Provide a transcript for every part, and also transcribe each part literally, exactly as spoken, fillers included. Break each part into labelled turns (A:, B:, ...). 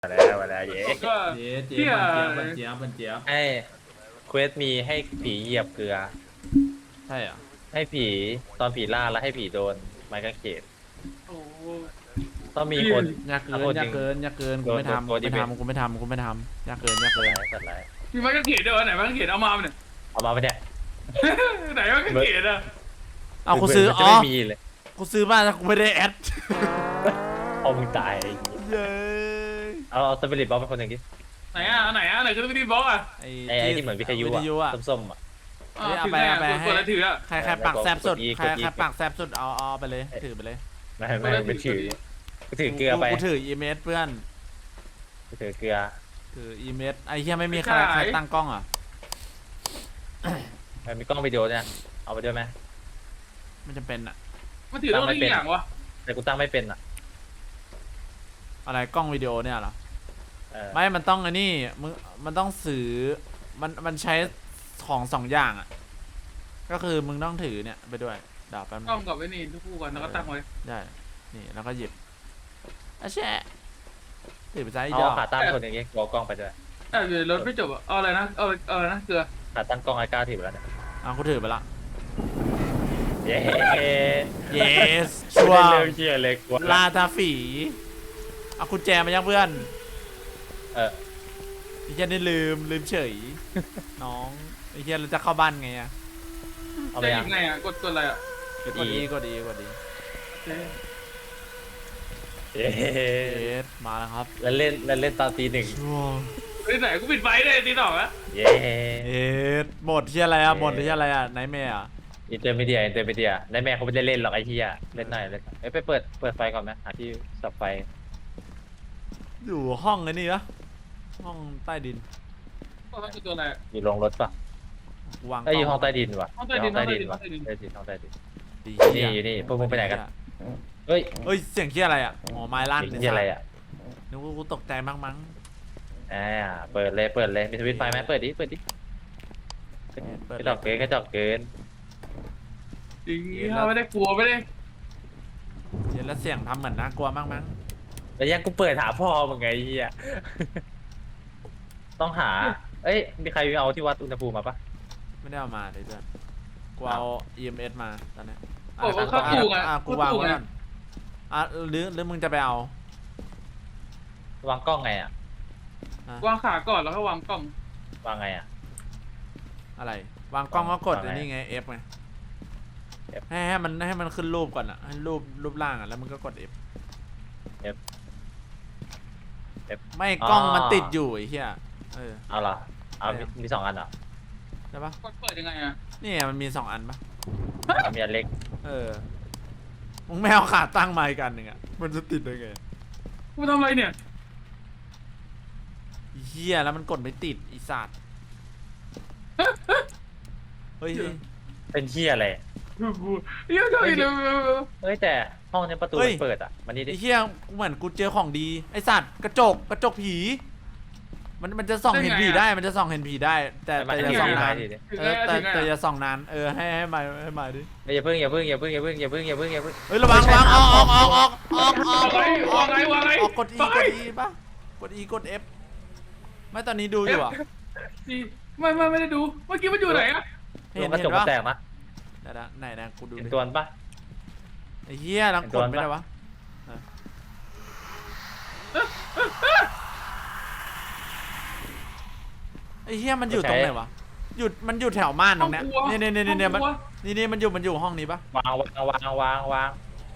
A: มาแล้วมาแล้วเย้
B: ก็
C: เจ๊เจ๊
B: เที่ย
C: บันเจี๊ยบบันเจี๊ยบบันเจี๊ยบ
A: ให้เควสมีให้ผีเหยียบเกลือ
C: ใช่เหรอ
A: ให้ผีตอนผีล่าแล้วให้ผีโดนไม้กางเขน
B: โอ้
A: ต้องมีคน
C: ยากเกิน
A: อ่ะคนหนึ่
C: ยาง กเกินยากเกินกูไม่
A: โดน
C: ทำ
A: โด
C: กู
A: น
C: ไม่
A: โดน
C: ทำกูไม่ทำกูไม่ทำยากเกินยาก
A: สัต
C: เกิ
A: ว์
C: น
A: ร้ายสัตว์ร้าย
B: มีไม้กางเขนด้วยวะไหนไม้กางเขนเอามาเนี่ย
A: เอามาไปเนี่ย
B: ไหนไม้กางเขนอะ
C: เอากูซื้อ
A: มัน
C: อ๋
A: จะ
C: อ
A: ไม่มีเลย
C: กูซื้อมาแต่กูไม่ได้แอด
A: เอามึงตายไอ้เหี้ย
C: เย้
A: เอาเอาสปิริตบล็อกเป็นคนหนึ่งดิ
B: ไหนอะไหนอะไหนคือวิธีบล็อกอะ
C: ไอ้
A: ไอ้ไอ้ที่เหมือนวิทยุ
C: วิทยุ
A: อะ
C: อะ
A: ส้มๆอะ
B: อ่า
C: เอา
B: ถือ
C: ไป
B: ไง
C: เอา
B: อะ
C: ไป
B: กด
C: ให้
B: กดแล้วถืออะ
C: ใครใครปากแซบสุด
A: กด E
C: ใคร
A: กด E
C: ใครปากแซบสุดเอาเอาไปเลยถือไปเลย
A: ไม่ไม่ไม่ถือกูถือเกลือไป
C: กูถืออีเมสเพื่อน
A: กูถือเกลือ
C: ถืออีเมสไอ้เหี้ยไม่มีใครใครตั้งกล้องอ่ะ
A: มันมีกล้องวิดีโอเนี่ยเอาไปด้วยไหม
C: ไม่จำเป็นอ่ะ
B: มันถือต้องได้กี่อย่างวะ
A: แต่กูตั้งไม่เป็นอะ
C: อะไรกล้องวิดีโอเนี่ยเหรอ
A: เออ
C: ไม่มันต้องไอ้นี่มึงมันต้องซื้อมันมันใช้ของสองอย่างอ่ะก็คือมึงต้องถือเนี่ยไปด้วยดาบแป๊บนึง
B: กล้องกับไอ้นี่ทุกคู่กันแล้วก็ตั้งไว้
C: ได้นี่แล้วก็หยิบอ่ะแช่ถือไปใช้อี
A: เอา
C: ดอก
A: ขาตั้งคนอย่างงี้กูเอากล้องไปด้วย
B: แต่อยู่ในรถไม่จบอะเอาอะไรนะเอาเอาอะไรนะเกลือ
A: ขาตั้งกล้องไอ้ก้าวถือไปแล้วเนี่ย
C: อ่ะกูถือไปละ
A: เย้
C: yes ชั
A: ชัว
C: ว
A: ร์
C: ร์
A: เร็วเชียร์เลยกว่า
C: ลาตาฝีเอากุญแจมายังเพื่อน
A: เออ
C: ไอ้เหี้ยนี่ลืมลืมเฉย น้องไอ้เหี้ยเราจะเข้าบ้านไงอะ
A: เอาไป
B: จะห
A: ยั
B: ยิ
A: ง
B: บไงอะกดกดอะไรอะ
A: กด
C: กด
A: อี
C: อีกดอีกดอี
B: เอ๊ะ
A: เย้
C: เอสมาแล้วครับ
A: แล้วเล่นแล้วเล่นตอนตีหนึ่ง
C: ชัวร์
B: เฮ้ยไหนกูปิดไฟเลยตีสองอะ
A: เย้
C: เอสหมดที่อะไรอะหมดที่อะไรอะไนท์แมร์อะ
A: อินเตอร์มีเดียอินเตอร์มีเดียในแม่เขาไม่ได้เล่นหรอกไอ้ที่อ่ะเล่นหน่อยเล่นหน่อยเอ้ยไปเปิดเปิดไฟก่อนไหมหาที่สับไฟ
C: อยู่ห้องไอ้นี่ปะห้องใต้ดิน
B: ก็ต้องคือตัวอะไรอะ
A: อยู่โรงรถปะ
C: วาง
A: เอ้ยอยู่ห้องใต้ดินวะ
B: ห้องใต้ดิน
A: ยู่ใต้ดิน
B: ห้
A: วะ
B: องใต้ดิน
A: ใต้ดินห้องใต้ดิน
C: ดี
A: นี่อยู่นี่พวกมึงไปไหนกัน เฮ้ย
C: เฮ้ยเสียงที่อะไรอะอ๋อไม้ลั่น
A: นี่อะไรอ่ะ
C: นึกว่ากูตกใจมั้งมั้ง
A: อ่าเปิดเลยเปิดเลยมีสวิตช์ไฟไหมเปิดดิเปิดดิ
C: เปิด
A: กระจอกเกินกระจอกเกิน
B: จริงไม่ได้กลัวไม่ได้
C: เดี๋ยวแล้วเสียงทำเหมือนน่ากลัวมั้งมั้ง
A: แล้วยังกูเปิดหาพ่อมึงไงไอ้เหี้ยต้องหาเอ้ยมีใครเอาที่วัดอุณหภูมิมาปะ
C: ไม่ได้เอามาเลยเพื่อนกูเอา อี เอ็ม เอส มาตอนนี้
B: โอ้โหเข้าตู้ไง
C: อ่ะกูวางไว้ก่อนอ่ะหรือหรือมึงจะไปเอา
A: วางกล้องไงอ่ะ
B: วางขาก่อนแล้วก็วางกล้อง
A: วางไงอ่ะ
C: อะไรวางกล้องก็กด
A: วางไง
C: อันนี้ไง F ไง
A: F
C: ให้ให้มันให้มันขึ้นรูปก่อนอ่ะให้รูปรูปร่างอ่ะแล้วมันก็กด F
A: F F
C: ไม่กล้อง
A: อ๋อ
C: มันติดอยู่ไอ้เหี้ยเออ
A: เอาเหรอเอามีมีสองอันเหรอ
C: ใช่ปะ
B: กดเปิดยังไงอะ
C: นี่ไงมันมีสองอันปะ
A: เอามีอันเล็ก
C: เออมึงไม่เอาขาตั้งมาอีกอันหนึ่งอ่ะมันจะติดได้ไง
B: กูทำอะไรเนี่ย
C: ไอ้เหี้ยแล้วมันกดไม่ติดอีสัตว์เฮ้ย
A: เป็นเที่ยอะไร
B: กูเยอะเลยเลย
A: เฮ้ยแต่ห้องเนี้ยประตูมันเปิดอ่ะมันนี่ดิ
C: ไอ้เหี้ยเหมือนกูเจอของดีไอ้สัตว์กระจกกระจกผี มันมันจะส่องเห็นผีได้มันจะส่องเห็นผีได้ แต่
A: มัน
C: แต่
A: จะ
C: อย่า
A: มี
C: ส่องนาน
A: ดิดิ
C: เออแต่แต่อย่าส่องนานเออให้ให้มาให้มาดิ
A: อย่าเพิ่งอย่าเพิ่งอย่าเพิ่งอย่าเพิ่งอย่าเพิ่งอย่าเพิ่งอย่าเพิ่ง
C: เฮ้ยระวังระวังออกออกออกออกออกออก
B: วางไงวางไงวางไง
C: ออกกด E กด E ป่ะกด E กด F ไม่ตอนนี้ดูอยู่อ่ะ
B: ไม่ไม่ไม่ได้ดูเมื่อกี้มันอยู่ไหนอะ
C: เห็น
A: กระ
C: เห็
A: จ
C: น
A: กมัน
C: ปะ
A: แตกนะ
C: ไหนนะไหนนะกูดู
A: เห็น
C: ดิ
A: ตัวปะ
C: ไอ้เหี้ยลังกดไม่ได้วะไอ้เหี้ยมันอยู่ตรงไหนวะหยุดมันอยู่แถวม่านตรงเนี้ยเนี่ยเนี่ยเนี่ยเนี่ยมันนี่นี่มันอยู่มันอยู่ห้องนี้ปะ
A: วางวางวางวางวาง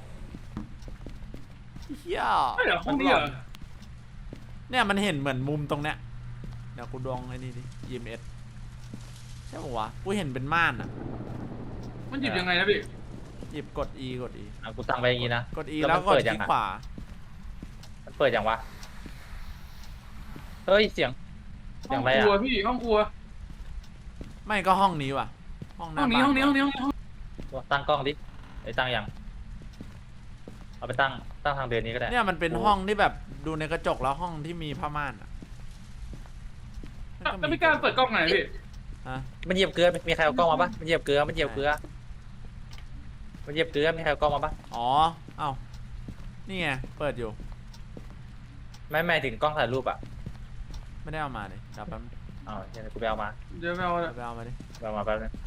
C: เหี้ย
B: ไม่เหรอห้องนี้เหรอ
C: เนี่ยมันเห็นเหมือนมุมตรงเนี้ยเดี๋ยวกูดองไอ้นี่ดิ อี เอ็ม เอส ใช่ปะวะกูเห็นเป็นม่านอ่ะ
B: มันหยิบยังไงนะพี่
C: หยิบกด E กด E
A: อ่ะกูตั้งไปอย่างงี้นะ
C: กด E
A: แล้ว
C: แล้ว
A: มัน
C: กด
A: เปิดยั
C: คลิ
A: ง
C: ก
A: อะ
C: ขวา
A: มันเปิดยังวะเฮ้ยเสียงเสี
B: ห้
A: ย
B: อง ง
A: อะไร
B: ครัว
A: อ่ะ
B: พี่ห้องครัว
C: ไม่ก็ห้องนี้ว่ะห้องห
B: ห้
C: น้า
B: องนี้
C: บ้า
B: ห้องนี้ห้องนี้ห้องนี้
A: ตั้งกล้องดิไอ้ตั้งยังเอาไปตั้งตั้งทางเดินนี้ก็ได้
C: เนี่ยมันเป็นห้องที่แบบดูในกระจกแล้วห้องที่มีผ้าม่านอ่ะ
B: แล้วไม่กล้าเปิดกล้องไหนพี่
C: ฮะ
A: มันเหยียบเกลือมีใครเอากล้องมาปะมันเหยียบเกลือมันเหยียบเกลือมันเหยียบเกลือมีใครเอากล้องมาปะ
C: อ๋อเอ้านี่ไงเปิดอยู่
A: ไม่ไม่ถึงกล้องถ่ายรูปอ่ะ
C: ไม่ได้เอามาเลยดับแป๊บ
A: อ๋อเดี๋ยวกูไปเอามา
B: เดี๋ยวไม่เอา
C: ไปเอามาดิ
A: ไปเอามาแป๊บนึง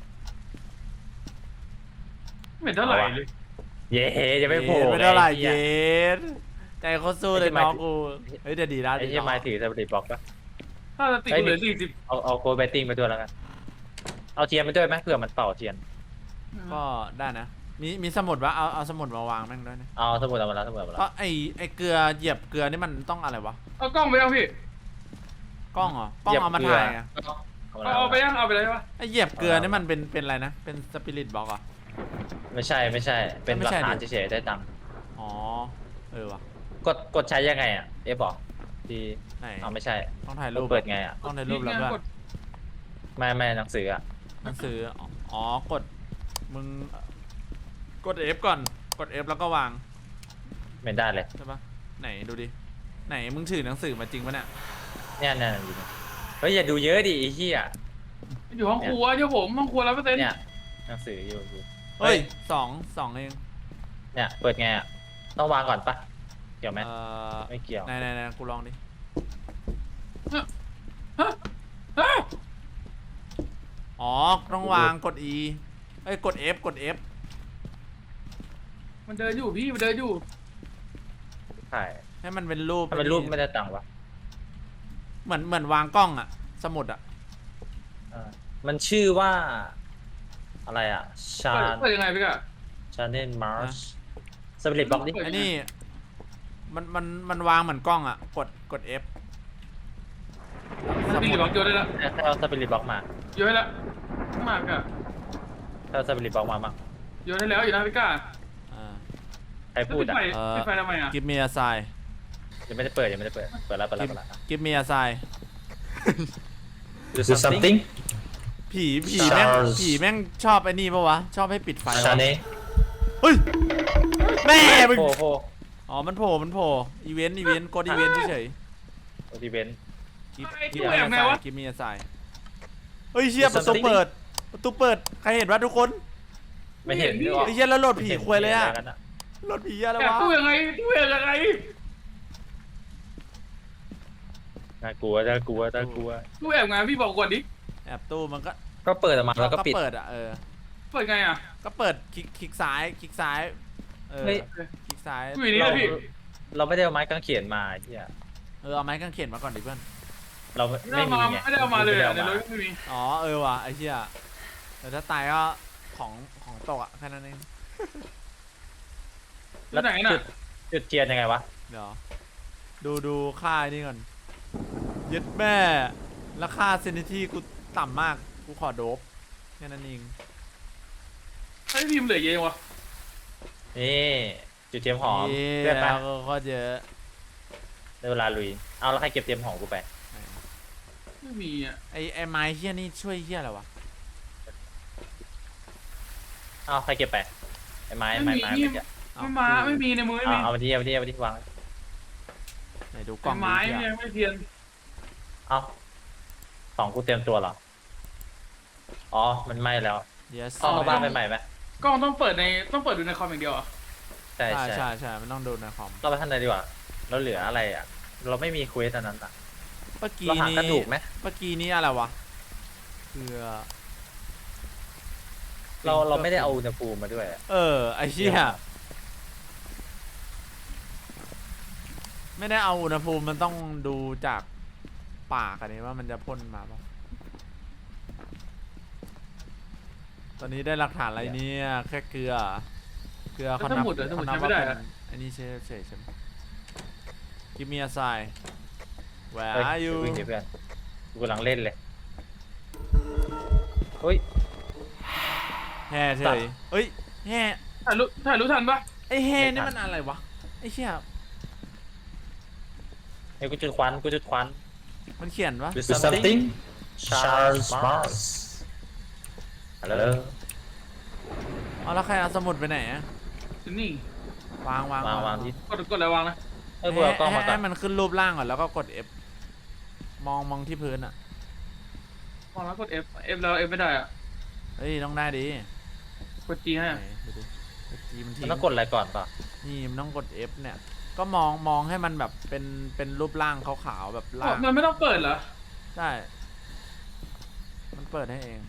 B: ไม่เห็นเท่าไหร่เลย
A: เย้จะไม่โผล่
C: เย็ดไม่เท่าไหร่
A: ไอ้
C: เย
A: เหี้ย็
C: ดใจเขาสู้เลย
A: ไอ้ที่หมาย
C: น้อง
A: ถึง
C: กูเฮ้ยเดี๋ยวดีแล้ว
A: ไอ้
C: ดี
A: เหี้ย
C: น้อง
A: ไม้ถือสปิริตบล็อกปะ
B: ถ้าจะติดกูเหลือสี่สิบ
A: เอาเอาโกลแบตติ้งไปด้วยแล้วกันเอาเทียนไปด้วยไหมเผื่อมันเป่าเทียน
C: ก็ได้นะมีมีสมุดวะเอาเอาสมุดมาวางแม่งด้วยนะ
A: เอาสมุดเอามาแล้วสมุดเอามา
C: เพ
A: แล้ว
C: ราะไอไอเกลือเหยียบเกลือนี่มันต้องอะไรวะ
B: เอากล้องไปยังพี่
C: กล้องเหรอกล้องเอามาถ่ายอะ
A: เอามา
B: เอา
A: แล้ว
B: เอาไปยังเอาไปเลยปะ
C: ไอเหยียบเกลือนี่มันเป็นเป็นอะไรนะเป็นสปิริตบล็อกอ่ะ
A: ไม่ใช่ไม่ใช่ เป็น
C: ไม่
A: หลั
C: ใช่
A: กฐาน
C: ดิ
A: เฉยๆได้ตังค์
C: อ๋อเออวะ
A: กดกดใช้ยังไงอ่ะเอฟบอกที่
C: ไหน
A: เอาไม่ใช่
C: ต้องถ่ายรูป
A: เปิดไงอ่ะ
C: ต้องถ่ายรูปแล้ว
B: นี่ไง
C: เพื่อน
B: กด
A: ไม่ไม่หนังสืออ่ะ
C: หนังสืออ๋ออ๋อกดมึงกด F ก่อนกด F แล้วก็วาง
A: ไม่ได้เลย
C: ใช่ปะไหนดูดิไหนมึงถือหนังสือมาจริงปะเนี่ย
A: เนี่ยเนี่ยอยู่เนี่ยเฮ้ยอย่าดูเยอะดิไอ้เหี้ย
B: อยู่ห้องครัวเจ้าผมห้องครัวร้อยเปอร์เซ็นต์
A: เนี่ยหนังสืออยู่อยู่
C: เฮ้ยสองสองเอง
A: เนี่ยเปิดไงอ่ะต้องวางก่อนปะเกี่ยวไหม
C: เอ่อ
A: ไม่เกี่ยว
C: ไหนไหนไหนกูลองดิ
B: ฮะฮะ
C: อ๋อต้องวางกด E เอ้ยกด F กด F
B: มันเดินอยู่พี่มันเดินอยู่
A: ใช่
C: ให้มันเป็นรูป
A: ถ้าเป็นรูปไม่ได้ตังค์วะ
C: เหมือนเหมือนวางกล้องอะสมุดอะ
A: อ่ามันชื่อว่า อะไรอ่ะชา
B: เปิดเปิดยังไงพี่กะ
A: ชาเนนมาร์ชสปิริตบล็อกดิ
B: เปิด
C: ไอ้นี่มันมันมันวางเหมือนกล้องอะกดกด F
B: สปีดบล็อกโยนได้แล้ว
A: ถ้าเอาสปิริตบล็อกมา
B: โยนได้แล้วข้างมาพี่กะ
A: ถ้าเอาสปิริตบล็อกมามั้ง
B: โยนได้แล้วอยู่นะพี่กะ
C: อ่า
A: ใครพูดอ่ะ
B: แล้วปิดไฟ
C: เอ่อ
B: ปิดไฟทำไมอ่ะ
C: give me a sign
A: ยังไม่ได้เปิดยังไม่ได้เปิดเปิดแล้วเปิดแล้ว
C: give
A: เปิดแล้ว
C: give me a sign
A: do something
C: ผีผีแม่ง
A: Charles
C: ผีแม่งชอบไอ้นี่ปะวะ ชอบให้ปิดไฟ
A: ชาเน
C: เฮ้ย แม่มึง
A: โผล่โผล่
C: อ๋อ มันโผล่ มันโผล่ อีเวนต์ อีเวนต์ กดอีเวนต์เฉย
A: โอทีเวน
C: ๆกิฟ
B: ไอ้
C: กิ
B: ตู้
C: ฟ
B: แอบไงวะ
C: กิฟมีอาไซเฮ้ยเชี่ย
A: Do
C: ประตู
A: something
C: เปิด ประตูเปิด ใครเห็นวะทุกคน
A: ไม่เห็นด้วย
C: ไอ้เชี่ยแล้วโหลดผีควยเลยอะ
A: ห็นไรกัน
C: โหลดผีอะไร
B: แอบ
C: วะ
B: ตู้ยังไงตู้ยังไง
A: น่ากลัวน่ากลัวน่ากลัว
B: ตู้แอบไงพี่บอกก่อนดิ
C: แอบตู้มันก็
A: ก็เปิดออกมาแล้วก็ปิด
C: เปิดอะเออ
B: เปิดไงอ่ะ
C: ก็เปิดคลิกคลิกซ้าย คลิกซ้าย เออ
A: เฮ้ย
C: คลิกซ้าย
B: ตู้อยู่นี่
A: เรา
B: นะพี่
A: เราไม่ได้เอาไม้กางเขนมาไอ้ที่
C: เออ เอาไม้กางเขนมาก่อนดิเพื่อน
A: เรา
B: ไม่
A: ไม่
B: ได้เอา
A: มี
B: มา
A: ไง
B: ไม่ได้เอามาเลยอ่ะใน
A: ไม่
B: ร
A: ได้
B: ถ
A: อาา
B: ไม่มี
C: อ๋อ เออว่ะไอ้เชี่ยแต่ถ้าตายก็ของของตกอะแค่นั้นเอง
B: แล้วไหนน่ะ
A: จุดจุดเทียนยังไงวะ
C: เดี๋ยว ดูดูค่าไอ้นี่ก่อนยึดแม่แล้วค่าเซนิตี้กูต่ำมาก กูขอโดบแค่นั้นเอง
B: ไอ้พิมพ์เหลือเยอะวะ
A: นี่จุดเทียมหอม
C: เย้
A: เพื่อนไป
C: แล้วก็เยอะ
A: ได้เวลาลุยเอาแล้วใครเก็บเทียมหอมกูไป
B: ไม่มีอ่ะ
C: ไอ้ไอ้ไม้เฮี้ยนี่ช่วยเฮี้ยอะไรวะ
A: เอาใครเก็บไปไอ้ไม้ไม้ไม้เมื่อกี้
C: เอ้
B: ไม่มาไม่มีในมือไม่
A: เอา
B: มี
A: เอามาที่เอามาที่เอามาที่วาง
C: ไหนดูกล่อง
B: ไม้
C: ดิ
B: เนี่ยไม่เทียน
A: เอาสองกูเตรียมตัวเหรออ๋อมันไหม้แล้ว
C: เดี๋ยว
A: เอาเข้าบ้านไปใหม่ไหม
B: กล้องต้องเปิดในต้องเปิดดูในคอมอย่างเดียวอ่ะ
A: ใช่
C: ใช่
A: ใช่
C: ใช่ใช่มันต้องดูในคอม
A: เราไปท่านใดดีกว่าเราเหลืออะไรอ่ะ เราไม่มีเควสอันนั้นอ่ะ
C: เมื่อกี้
A: เราหา
C: นี้
A: กระดูกไหม
C: เมื่อกี้นี้อะไรวะเพื่อ
A: เราเราไม่ได้เอาอุณหภูมิมาด้วยอะ
C: เออไอ้เชี่ยไม่ได้เอาอุณหภูมิมันต้องดูจากปากอันนี้ว่ามันจะพ่นมาปะตอนนี้ได้หลักฐานอะไรเนี่ยแค่เกลือ เกลือเขานับเขานับว่าเป็นอันนี้เฉยเฉยใช่ไหม Give me a sign Where
A: เฮ้ย
C: are you
A: เดี๋ยววิ่งดิเพื่อนกูกำลังเล่นเลยเฮ้ย
C: แห่เฉยเฮ้ยแห่
B: ถ่ายรู้ถ่ายรู้ทันปะ
C: ไอแห่
A: ไม่
C: นี่
A: ทัน
C: มันอะไรวะไอเชี่ย
A: เฮ้ยกูจุดควันกูจุดควัน
C: มันเขียนวะ
A: Do something Charles Mars ฮัลโหล
C: เอาแล้วใครเอาสมุดไปไหนอะ
B: นี่
C: วางวาง
A: วางวางที่
B: กดกดอะไรวางนะ
A: เออกูเอากล้องมาก่อ
C: ให้
A: น
C: มันขึ้นรูปร่างก่อนแล้วก็กด F มองมองที่พื้นอะ
B: วางแล้วกด F F แล้ว F ไม่ได้อ่ะ
C: เฮ้ยต้องได้ดิ
B: กด G ให้
C: ไหนดูดิกด G มัน
A: มัน
C: ทิ้ง
A: ต้องกดอะไรก่อนป่ะ
C: นี่มันต้องกด F เนี่ยก็มองมองให้มันแบบเป็นเป็นรูปร่างขาวๆแบบล่าง
B: มันไม่ต้องเปิดเหรอ
C: ใช่ มันเปิดให้เอง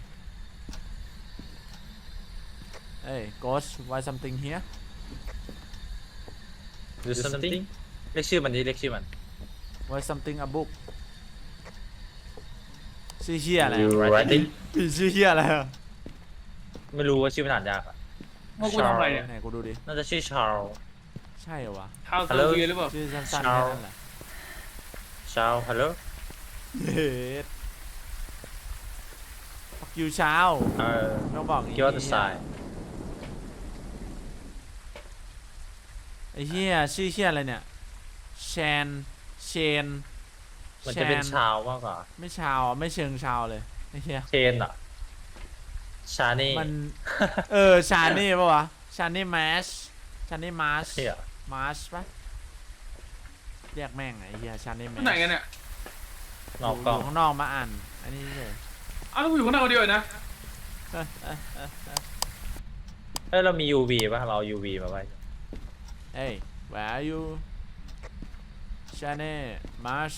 C: เอ้ย Ghost why something here
A: do something เรียกชื่อมันดิเรียกชื่อมัน
C: why something a book ชื่อเฮียอะไร
A: You
C: อะ
A: writing
C: พี่ชื่อเฮียอะไรอะ
A: ไม่รู้ว่าชื่อมันอ่านยากอะ
B: ว่ากูทำอะไรเนี่ย
C: ไหนกูดูดิ
A: น่าจะชื่อชาร์ล
C: ใช่เหรอวะ
B: ข้าวเซอ
A: Hello
B: ร์วีหรือเปล่า
C: ชื่อสั้นๆ
A: Charles
C: แค่นั้นแหละ
A: ชาร์ลฮัลโหล
C: เฮ็ด fuck you เช้า
A: เออ
C: ต้องบอกอย่าง
A: คิดว่าจะสาย
C: ไอ้เฮียชื่อเฮียอะไรเนี่ยแชนเชน
A: มันจะเป็น
C: แช
A: ชาวมากกว่า
C: ไม่ชาวอะไม่เชิงชาวเลยไอ้เฮีย
A: เชนอะชานี่
C: มัน เออ ชานี่ปะวะ ชานี่มาชชานี่มาช
A: เฮีย
C: มาชปะเรียกแม่งไอ้เหี้ยชานี่มา
B: ที่ไหนกันเนี่ย
A: นอกกล้อง
C: ยู่ข้างนอกมาอ่าน อันนี้เลย
B: อ้าวแล้วกูอยู่ข้างในคนเดียวนะ
A: เอ้ยเรามี ยู วี ป่ะเราเอา ยู วี มาไว้
C: เอ้ย where are you ชานี่มาช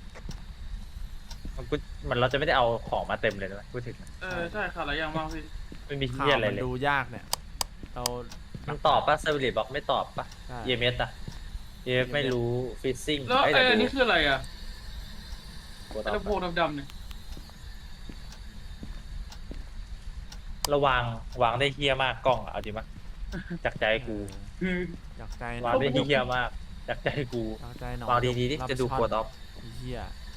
A: มันกูมันเราจะไม่ได้เอาของมาเต็มเลยนะพูดถึง
B: เออใช่ขาดหลายอย่างมากพี่
A: ไม่มี
C: ข่า
A: เฮียว อะไร
C: มัน
A: เลย
C: ดูยากเนี่ย เรา
A: มันตอบป่ะเซอร์วิสบอกไม่ตอบป่ะ
C: ใช่
A: เอ เอ็ม เอส อะ เอ เอ็ม เอส ไม่รู้ฟิซซิ่ง
B: แล้วไอ้อันนี้คืออะไรอ่ะ
A: กูต
B: ไอ้
A: อบ
B: ลำโพงดำๆเนี่ย
A: ระวางวางได้เฮี้ยมากกล้องอะเอาจริงปะจากใจกู
B: คือ
C: อยากใจหน่
A: วา
C: อง ย
A: ได้เฮี้ยมากจากใจกู
C: อยากใจหน่อย
A: วางดีๆดิ
C: รับ
A: จะดู
C: ช่อน
A: กดออฟ
C: ไอ้เหี้ยว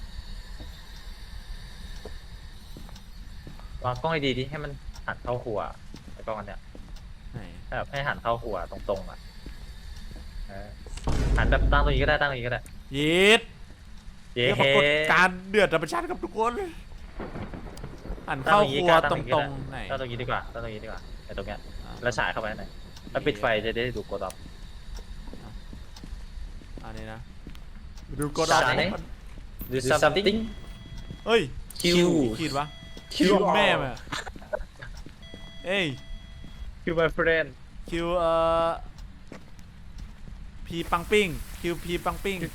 A: างกล้องให้ดีดิให้มันหันเข้าหัวไอ้กล้องอันเนี้ย
C: ไหน
A: แบบให้หันเข้าหัวตรงๆอ่ะเออหันแบบตั้งตรงนี้ก็ได้ตั้งตรงนี้ก็ได้
C: ยีด
A: เย้
C: เรียกปรากฏการณ์เดือดธรรมชาติกับทุกคนหันเข้าครัวตรงๆไหน
A: ตั้งตรงนี้ดีกว่าตั้งตรงนี้ดีกว่าไอ้ตรงเนี้ย
C: อ่ะ
A: แล้วฉายเข้าไปหน่อยแล้วปิดไฟจะได้ดูกดออฟ
C: อันนี้นะดูกดออฟ
A: ชานี่ do something
C: เฮ้ย
A: Q
C: ขีดวะ
A: Q
C: คิวแม่มาเอ้ย
A: Q my friend
C: คิวเอ่อพีปังปิ้งคิวพีปังปิ้ง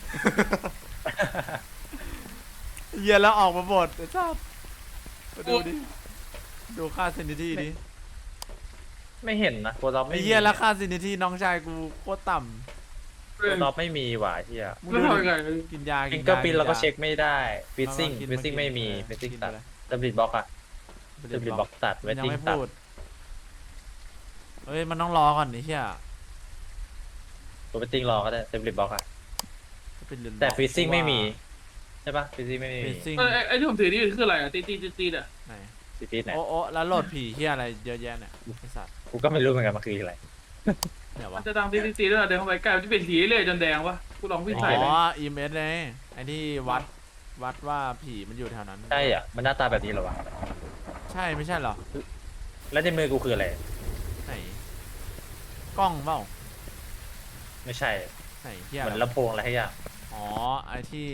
C: เหี้ยแล้วออกมาหมดไอ้ชาติมาดูดิดูค่าเซนิตี้ดิ
A: ไม่เห็นนะกดออฟ
C: ไอ้
A: ไม่มี
C: เหี้ยแล้วค่าเซนิตี้น้องชายกูโคตรต่
B: เอ
A: ก
B: อ
A: ดออฟไม่มีว่ะเฮีย
C: ำมึง
B: แล้ว
C: ดู
B: ทำยังไง
C: ดิกินยา
A: ฟิ
C: กิ
A: ง
C: น
A: เกอร์
C: ยา
A: พินเราก็
C: นย
A: เช็คไม่ได้ฟิซซิ่ง
C: มามากิน
A: ฟิซซิ่ง
C: มากิน
A: ไม่มี
C: เออ
A: ฟิซซิ่ง
C: กิน
A: ตัด
C: ไปเลย
A: ดับบิลบล็อกอะดับบิลบล็อกตัดเว
C: มัน
A: ท
C: ยัง
A: ติ้ง
C: ไม่
A: ตัด
C: พูดเฮ้ยมันต้องรอก่อนไอ้เหี้ย
A: ตัวเวทติ้งรอก็ได้ดับบิลบล็อกอะ
C: เป็นเรือน
A: แต่
C: บอก
A: ฟิซซิ่ง
C: ว่า
A: ไม่มีใช่ปะฟิซซิ่งไม่มี
C: ฟิซซิ่ง
B: เออไอ้ไอ้ที่ผมถือนี่คืออะไรอ่ะตีตีตีตีอ่ะ
C: ไหน
A: ฟิซซิ่งไหน
C: โอ้โอ้แล้วโหลดผีเหี้ยอะไรเยอะแยะเนี่ยไอ้สัตว์
A: กูก็ไม่รู้เหมือนกันมันคืออะไร
C: เนี่ยวะ
B: มันจะดังตีตีตีแล้วเดินเข้าไปใกล้มันจะเป็นสีเรื่อยจนแดงวะกูลองวิ่ง
C: อ๋
B: ใส่เลย
C: ออีเมสเลยไอ้ที่วัดวัดว่าผีมันอยู่แถวนั้น
A: ใช่อ่ะมันหน้าตาแบบนี้เหรอวะ
C: ใช่ไม่ใช่เหรอ
A: แล้วในมือกูคืออะไร
C: ไหนกล้องเปล่า
A: ไม่ใช่
C: ไหนเหี้ย
A: เหมือน
C: อะไร
A: ลำโพงอะไรให้อย่าง
C: อ๋อไอ้ที่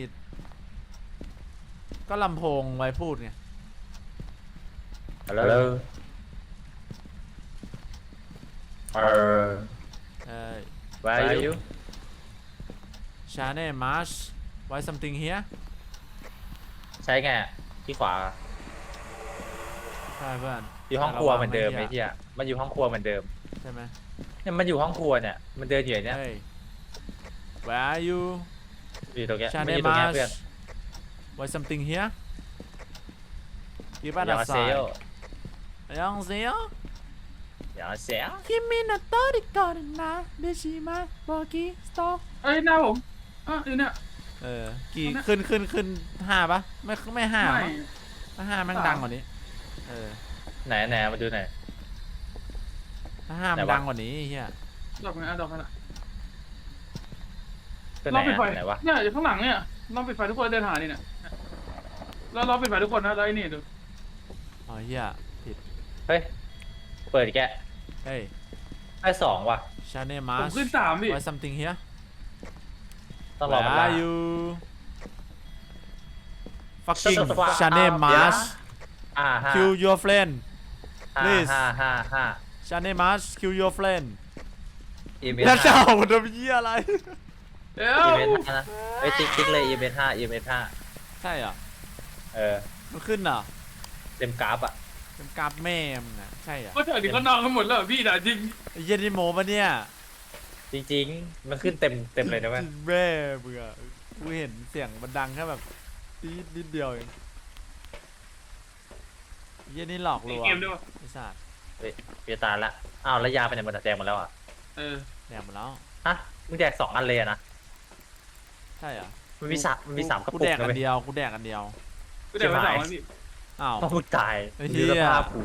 C: ก็ลำโพงไว้พูดไง
A: ฮัลโหลเออ
C: เออ
A: where are you
C: ชาเน่มาร์ช why something here
A: ใช้ไงอะที่ขวา
C: ใช่เพื่อน
A: อยู่ห้องครัวเหมือนเดิม
C: ระวั
A: ไอ้
C: งนะ
A: เหี้ยมันอยู่ห้องครัวเหมือนเดิม
C: ใช่ไหม
A: เนี่ยมันอยู่ห้องครัวเนี่ยมันเดินอยู่อย่างเนี้ย
C: เฮ้ย where are you
A: อยู่ตรงเนี้ย
C: ชา
A: ไม่
C: เน่
A: อยู่ตรง
C: มา
A: เนี้ย
C: ร์ช
A: เพื่อน
C: why something here กีบ้าน
A: อย่า
C: อั
A: มา
C: ด
A: เซ
C: สาย
A: ล
C: ยังเสีย
A: อย่ามาเซล
C: คิมินาโตริกอนนะเดชิมาบอกีสโต
B: เอ้ยหน้าผมอ่ะอยู่เนี่ย
C: เออกี่ขึ้นขึ้นขึ้นห้าปะไม่ไม่ห้า
B: ไม่
C: มั้งถ้าห้าแม่ง
B: สาม
C: ดังกว่านี้เออ
A: ไหนไหนมาดูหน่อย
C: ถ้าห้ามัน
A: ไหนวะ
C: ดังกว่านี้ไอ้เฮีย
B: ดอกไงอ่ะดอกขนาด
A: ตัวไห
B: ล
A: น
B: องปิดไฟ
A: อะไหนวะ
B: เนี่ยอยู่ข้างหลังเนี่ยลองปิดไฟทุกคนเดินหานี่เนี่ยแล้วเราปิดไฟทุกคนนะแล้วไอ้นี่ดู
C: อ๋อเฮียผิด
A: เฮ้ยเปิดอีกแกะ
C: เฮ้ย
A: ได้สองว่ะ
C: ชาเน่มา
B: ผมขึ้นสามพี่
C: why something here
A: ต้องรอ
C: where
A: มันละ
C: are you fucking
A: Shut the fuck
C: ชาเน่
A: up
C: มา
A: เดี๋ยวนะ อ่าห้า
C: kill your friend
A: ห้า
C: please
A: ห้าห้าห้า
C: ชาเน่มา kill your friend
A: อีเมล
C: แล้วจะ
A: ห้า
C: เอามันทำเหี้ยอะไร
B: เดี๋ย
A: อี
B: ว
A: เวนต์ห้านะเฮ้ยติ๊กติ๊กเลยอีเวนต์ห้าอีเวนต์ห้า
C: ใช่เหรอ
A: เออ
C: มันขึ้นเหรอ
A: เต็มกราฟอ่ะ
C: เป็นกราฟแม่มึงอะใช่เหรอ
B: ก็เถอะดิเขานอนกันหมดแล้วเหรอพี่ด่าจริง
C: ไอ้เหี้ย็นนี่โมปะเนี่ย
A: จริงๆ มันขึ้นเต็มเต็มเลยนะเว้ย
C: แม่มึงอะกูเห็นเสียงมันดังแค่แบบนิดนิดเดียวเองไอ้เหี้ย็นนี่หลอกล
B: ใน
C: วง
B: เกมด้วยวะ
C: ไอ้สัตว์
A: เฮ้ยเพียตายละอ้าวแล้วยาไปไหนหมดอะแจกหมดแล้วอ่ะ
B: เออ
C: แดกหมดแล้ว
A: ฮะมึงแจกสองอันเลยอะนะ
C: ใช่เหรอ
A: มันมีสามมันมีสามกระ
C: กู
A: ปุก
C: แดก
A: นะ
C: อั
A: เว้
C: น
A: ย
C: เดียวกูแดกอันเดียว
B: ก็เดี๋ยวมาสองนะพี่
C: อ้าว
A: เพราะมึงตาย
C: ไอ้เหี้
A: ดู
C: ย
A: สภาพกู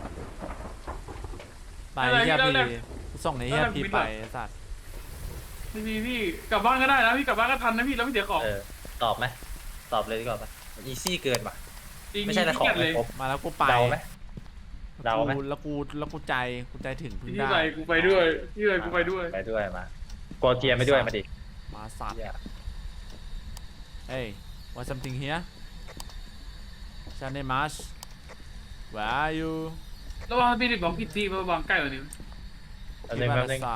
C: ไปเฮียพีกูส่งไอ้เฮียพีไปไอ้สัตว์
B: พี่พี่พี่กลับบ้านก็ได้นะพี่กลับบ้านก็ทันนะพี่แล้วไม่เสียของ
A: เออตอบไหมตอบเลยดีกว่าปะอีซี่เกินป่ะ
B: จริง
A: ไม่ใช่แต่ของ
B: เล
A: ไม่
B: ย
A: ครบ
C: มาแล้วกูไป
A: เดาไหม เดาไหม
C: กูแล้วกูแล้วกูใจกูใจถึงพึ่ง
B: พี่
C: ได้
B: ไปกูไปด้วยพี่ไปกูไปด้วย
A: ไปด้วยมาโกเกียร์ไม่ด้วยมาดิ
C: มาสัตว์
A: เหี้ย
C: เฮ้ย what something here ชันเนมัส where are you
B: แล้วว่าพี่ดิบอกผิดที่มาวางใกล้กว่านี้
A: อันหนึงแป๊บนึง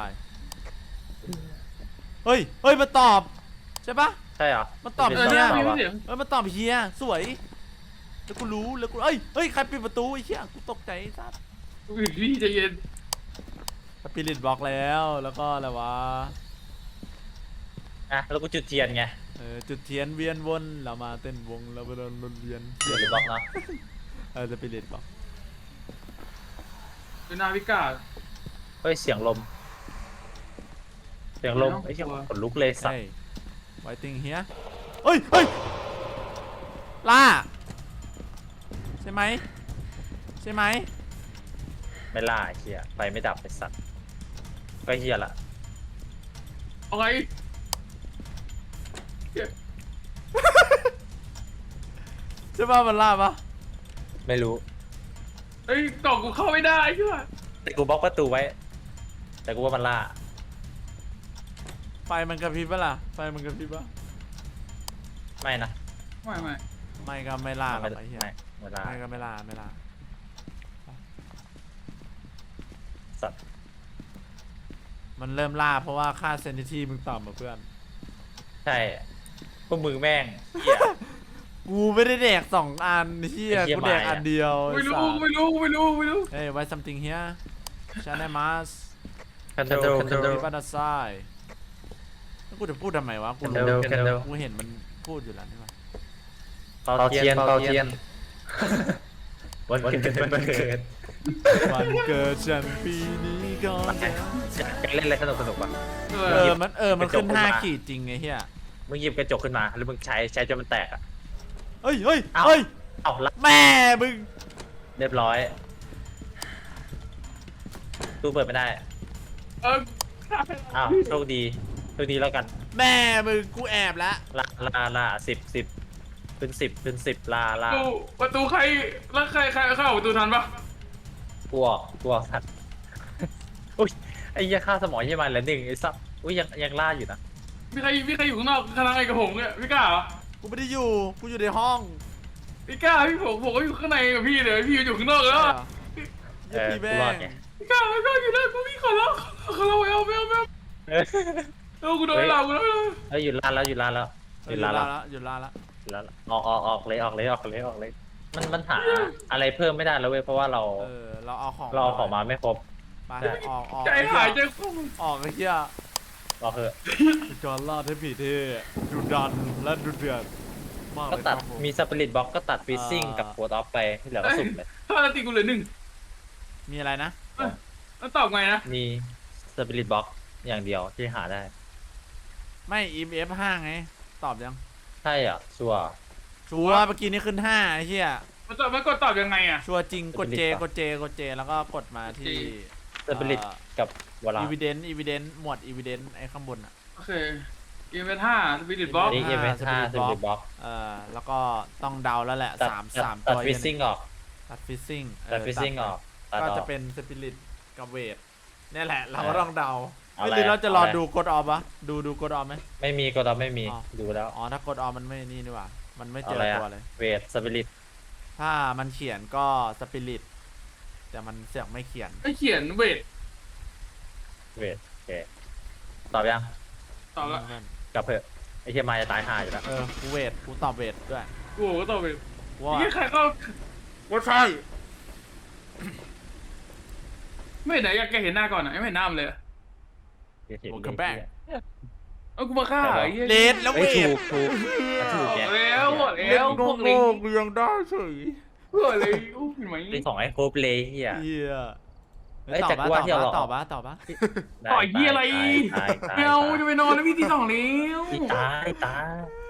C: เฮ้ย เฮ้ย มาตอบ ใช่ปะ
A: ใช่เหรอ
C: มันตอบ
B: เอ
C: เอ
B: อ
C: อ
B: เนี่ย
C: นี่
B: มี
A: ตอบ
B: เสียง
C: เฮ้ยมาตอบเฮียสวย แล้วกูรู้ แล้วกู เอ้ย เฮ้ย ใครปิดประตูไอ้เหี้ยกูตกใจไอ้สัตว์
B: พี่ใจเย็น
C: สปิริตบล็อกแล้ว แล้วก็อะไรวะ
A: อ่ะแล้วกูจุดเทียนไง
C: เออจุดเทียนเวียนวนเรามาเต้นวงเราไปโดนวนเวียน
A: จุดหรือบล็อกเนาะ
C: เออสปิริตบล็อก
B: เป็นนาวิก้า
A: เฮ้ยเสียงลม เสียงลม
B: ไม่ต้อง
A: ไอ้เหี้ย
B: กลัว
A: ขนลุกเลยสัต
C: เฮ้
A: ว์
C: ยไวติงเฮียเฮ้ยเฮ้ยล่าใช่ไหมใช่ไหม
A: ไม่ล่าไอ้เหี้ยไฟไม่ดับไอ้สัตว์ก็เหี้ยละ
B: เอาไง
C: ใช่ป่ะมันล่าปะ
A: ไม่รู้
B: เฮ้ยกล่องกูเข้าไม่ได้ใช่ไหม
A: แต่กูบล็อกประตูไว้ แต่กูว่ามันล่า
C: ไฟมันกระพริบปะล่ะไฟมันกระพริบปะ
A: ไม่นะ
B: ไม่ไม่
C: ไม่ก็ไม่ล่าหร
A: ไม่
C: อกไอ้เหี้ย
A: ไม่ไม่ล่า
C: ไม่ก็ไม่ล่าไม่ล่า
A: สัตว์
C: มันเริ่มล่าเพราะว่าค่าเซนซิทีฟมึงต่ำมาเพื่อน
A: ใช่พวกมึงแม่งเหี้ย
C: กูไม่ได้แดกสองอันเฮีย
A: ไอ้เหี้ย
C: กูแดก
A: หมายอะ
C: อันเดียว
B: ไม่รู้ไม่รู้ไม่รู้ไม่รู้
C: เฮ้ยไว้ something here ชาแนมัส
A: คันโดคันโด
C: มีบ้านซ้ายแล้วกูจะพูดทำไมวะ กู
A: คัน
C: รู้
A: โดคันโด
C: กูเห็นมันพูดอยู่แล้วนี่หว่า
A: เป่าเทียนเป่าเทียนวันเกิดวันเกิด
C: วันเกิดฉันปีนี้ก็
A: อยากเล่นอะไรสนุกสนุกป่ะ
B: เอ
C: เอ
B: อ
C: อ มันเออ มันขึ้น
A: กระจก
C: ห้า
A: ขึ้นมา
C: ขีดจริงไงเฮีย
A: มึงหยิบกระจกขึ้นมาแล้วมึงใช้ใช้จนมันแตกอ่ะ
C: เฮ้ยเฮ้ย
A: เอ้า
C: เฮ้ย
A: เอาละ
C: แม่มึง
A: เรียบร้อยตู้เปิดไม่ได้
B: เออ
A: อ้าวโชคดีโชคดีแล้วกัน
C: แม่มึง กูแอบแล้ว
A: ลาลาลาสิบสิบเป็นสิบเป็นสิบลาลา
B: ประตูประตูใครแล้วใครใครเข้าประตูทันปะ
A: กลัวกลัวสัตว์อุ้ยไอ้เหี้ยค่าสมองยี่มันแล้วหนึ่งไอ้สัตว์อุ้ยยังยังล่าอยู่นะ
B: มีใครมีใครอยู่ข้างนอกคณะไอ้กับผมเนี่ยพี่กล้าเหรอ
C: กูไม่ได้อยู่ กูอยู่ในห้อง
B: พี่กล้าพี่ผมผมก็อยู่ข้างในกับพี่เลยพี่อยู่ข้างนอกแล้ว
C: ใช่เหรอ
A: เอ
C: เหี้ย
A: อ
C: พี่แม่
A: กูรอด
C: ง
A: ไง
B: พี่กล้าพี่กล้าอยู่แล้วกูพี่ขอร้องขอร้องไม่เอาไม่เอาไม่เอา
A: เออ
B: เออกูโดนเรากูโดนเรา
A: เฮ้ยหยุดล่าแล้วหยุดล่าแล้วห
C: ห
A: ยุ
C: ยุ
A: ด
C: ด
A: ล่า
C: ลา
A: แล้ว
C: ละหยุดลาละ
A: หยุดล่าแล้วออกออกออกเลยออกเลยออกเลยออกเลย มันมันหาอะไรเพิ่มไม่ได้แล้วเว้ยเพราะว่าเรา
C: เออ เราเอาของ
A: เราเอาของมาไม่ครบ
C: ไป
A: ใช่
C: ออกออก
B: ใจ
C: ไอ้
B: หาย
C: เหี้
B: ใจ
C: ย
B: ฟู
C: ออกไอ้เหี้ย
A: รอเถอะ
C: การล่าเทพีเท่ดูดันและดูเดือดมาก
A: ก็
C: เลย
A: ตัด
C: ครับผ
A: มีสปิริตบล็อกก็ตัดฟิซซิ่ง
C: อ่า
A: กับโคดออฟไปที่เหลือก็สุ่มเลย
B: ห้านาทีกูเหลือหนึ่ง
C: มีอะไรนะ
B: แล้วตอบไงนะ
A: มีสปิริตบล็อกอย่างเดียวที่หาได้
C: ไม่ อี เอฟ ห้าไง ตอบยัง
A: ใช่อ่ะชัวร์
C: ชัวร์เมื่อกี้นี้ขึ้นห้าไอ้เหี้ย
B: มันตอบมันกดตอบยังไงอ่ะ
C: ชัวร์จริง กดเจ
A: Spirit
C: กดเจ กดเจ แล้วก็กดมาที่
A: สปิริตกับวลา
C: อีวิเดนอีวิเดนหมวดอีวิเดนไอ้ข้างบนอ่ะ
B: โอเคเกมเป็นห้าสปิริตบล็อก
A: นี่เอ็มเอสห้าส
C: Spirit
A: ปิริตบล็อก
C: เอ่อ แล้วก็ต้องเดาแล้วแหละ
A: ตัด
C: สาม
A: ตัด
C: สาม
A: ตัด
C: ตัว
A: ฟิซซิ่งออก
C: ตัดฟิซซิ่ง
A: ตัดฟิซซิ่งออกตัด
C: ก็
A: ออ
C: จะ
A: ก
C: เป็นสปิริตกับเวทนี่แหละ เรา
A: เออ
C: ก็ต้องเดา
A: เอา
C: ไม่
A: อะไร
C: รู้เราจะรอ
A: เอาอะไร
C: ดูกดออฟปะดูดูกดออฟไหม
A: ไม่มีก็เราไม่มี
C: อ๋อ
A: ดูแล้ว
C: อ๋อ ถ้ากดออฟมันไม่นี่นี่หว่า มันไม่เจอ
A: เอาอะไรอะ
C: ตัวเลย
A: เวทสปิริต
C: ถ้ามันเขียนก็สปิริตแต่มันเสือกไม่เขียน
B: ไม่เขียนเวท
A: เวทโอเคตอบยัง
B: ตอบละ
C: เพื่อน
A: กลับเถอะไอ้เฮียมาจะตายห่าอยู่แล้ว
C: เออกูเวทกูตอบเวทด้วย
B: โอ้โหก็ต่อไป
C: ว่า
B: ยี่ใครก็
C: ว่าใช่
B: ไม่เห็นไหนอยากแกเห็นหน้าก่อนอ่ะไม่เห็นหน้ามันเลย
C: โอเคแบก
B: เอ้ากูมาฆ่าไอ้เหี้ย
C: เลดแล้ว
A: เฮ้
C: เวย
A: ถู
C: ท
A: กถูกมันถูก
B: บ
A: แก
B: อกแล้วบอก
C: เล่
B: แล้ว
C: น
B: พวกลิง
C: โง่ๆยังได้เฉย
B: เพื่ออะไรอู้เห็นไหม
A: เป็นสองไอ้โครบเลยเฮีย
C: เฮีย
A: เอ้ย
C: ต
A: แต่
C: อบ
A: กู
C: บ้า
A: ว่าที่เรา
C: ตอบบ้าตอบบ้า
B: ต่อยเหี้ยอะไร
A: ตายตายตาย
B: ไม่เอาจะไปนอนแล้วพี่ที่สองแล้ว
A: ตายตาย